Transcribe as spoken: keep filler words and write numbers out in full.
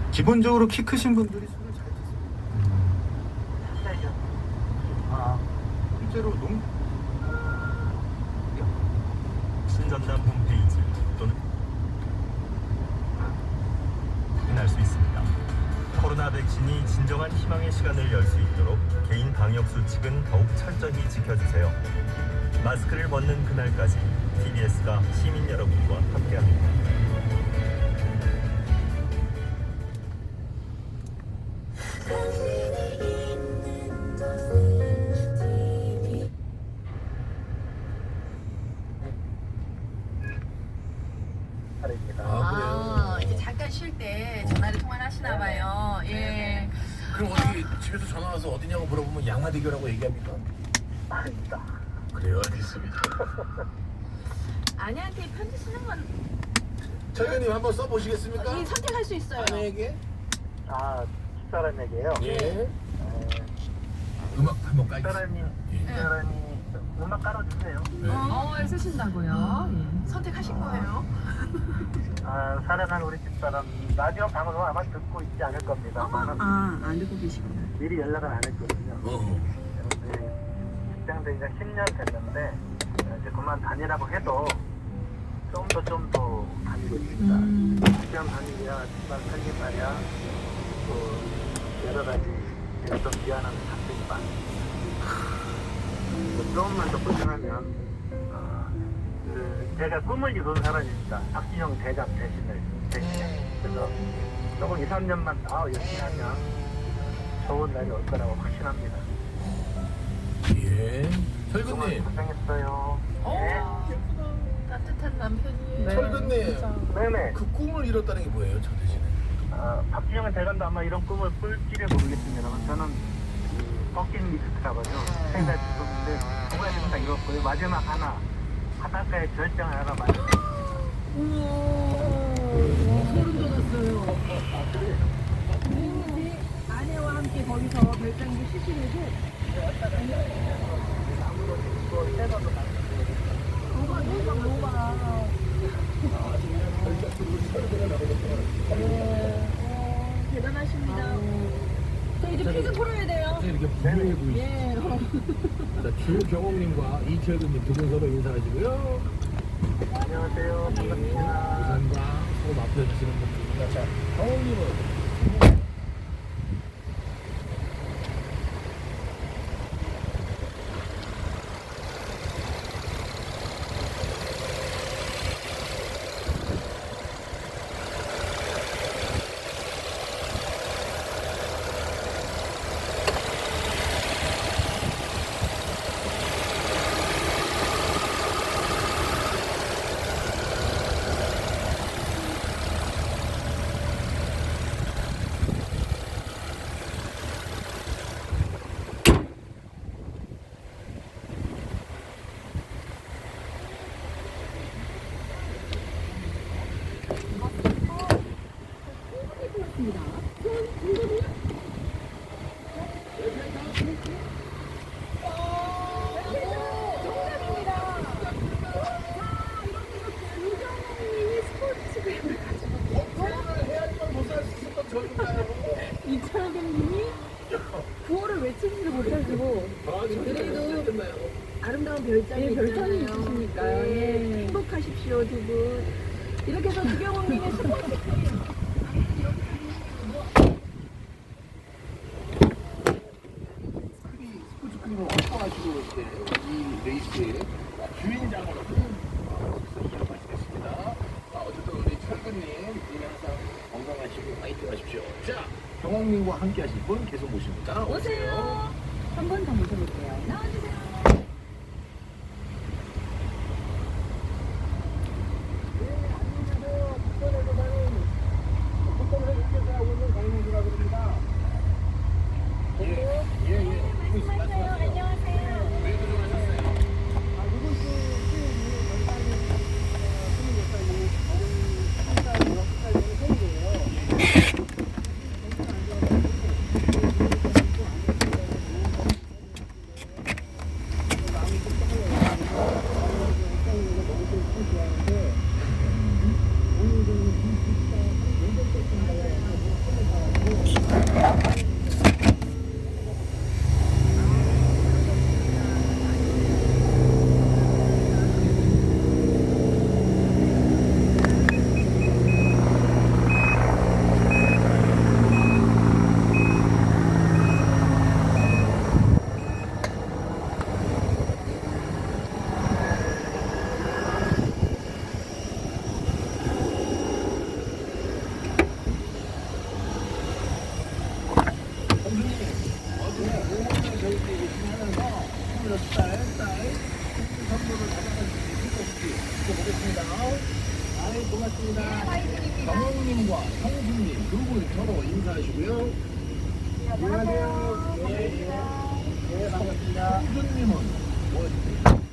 기본적으로 키 크신 분들이 술을 잘 드세요. 아, 실제로 농 신전담 홈페이지 또는 확인할 수 있습니다. 코로나 백신이 진정한 희망의 시간을 열 수 있도록 개인 방역 수칙은 더욱 철저히 지켜주세요. 마스크를 벗는 그날까지 티비에스가 시민 여러분과 함께합니다. 아, 이제 잠깐 쉴 때 전화를 통화를 하시나 봐요. 예. 그럼 어떻게 집에서 전화 와서 어디냐고 물어보면 양화대교라고 얘기합니까? 아닙니다. 그래요, 알겠습니다. 아내한테 편지 쓰는 건 철근님 한번 써보시겠습니까? 이 선택할 수 있어요. 아내에게? 아, 집사람에게요. 예. 에, 음악 한번 깔겠습니다. 집사람이, 예. 집사람이 음악 깔아주세요. 네. 어, 쓰신다고요? 예. 선택하신 거예요? 아, 사랑하는 우리 집사람 라디오 방송 아마 듣고 있지 않을 겁니다. 아, 안 듣고 계시구나. 미리 연락은 안 했거든요. 어. 그런데 직장 된 지가 십 년 됐는데 이제 그만 다니라고 해도 좀 더 좀 더 다니고 있습니다. 음. 직장 다니랴, 집안 살림하랴, 또 여러 가지 제가 좀 미안한 사정이 많습니다. 조금만 더 고생하면 어, 그 제가 꿈을 이룬 사람입니다. 박진영 대장 대신을 대신에 그래서 조금 이, 삼 년만 더 열심히 하면 좋은 날이 올 거라고 확신합니다. 예. 그동안 철근님. 고생했어요. 어, 따뜻한 남편이에요. 철근님. 네네. 그 꿈을 이뤘다는 게 뭐예요, 저 대신에? 어, 박진영 대장도 아마 이런 꿈을 꿀지를 모르겠습니다만 저는 그 버킷리스트라고 하죠. 세 가지 꿈인데 두 가지는 다 이뤘고요. 마지막 하나 바닷가에 절정 하나 만들었습니다. 소름 돋았어요. 아내와 함께 거기서 별장기 쉬시는데 너무 너무 너무 많아. 대단하십니다. 저 이제 퀴즈 풀어야 돼요. 이렇게 분명해 보이시죠? 예. 자, 주경옥님과 이철근님 두 분 서로 인사하시고요. 안녕하세요. 반갑습니다. 부산과 서로 맡겨주시는 분들입니다. 자, 경옥님은 이철근님이 구호를 외치지도 못하시고 그래도 아름다운 별장이 별장이 있으시니까요. 예. 행복하십시오 두 분. 이렇게 해서 주경호님의 스포츠 스포츠 크림을 확보하시고 이제 이 레이스의 주인장으로 이어가시겠습니다. 아, 어쨌든 우리 철근님 항상 건강하시고 파이팅 하십시오. 자, 경옥님과 함께 하실 분 계속 모십니다. 오세요. 한 번 더 모셔볼게요. 나와주세요. 예, 예, 예. 이거 안녕하세요. 안녕하세요. 왜 도전하셨어요? 축하드립니다. 쌀, 쌀. 선물을 받아가지고 보겠습니다. 아이, 고맙습니다. 정홍님과 형수님 두 분 서로 인사하시고요. 안녕하세요. 네, 네, 반갑습니다. 형수님은 뭐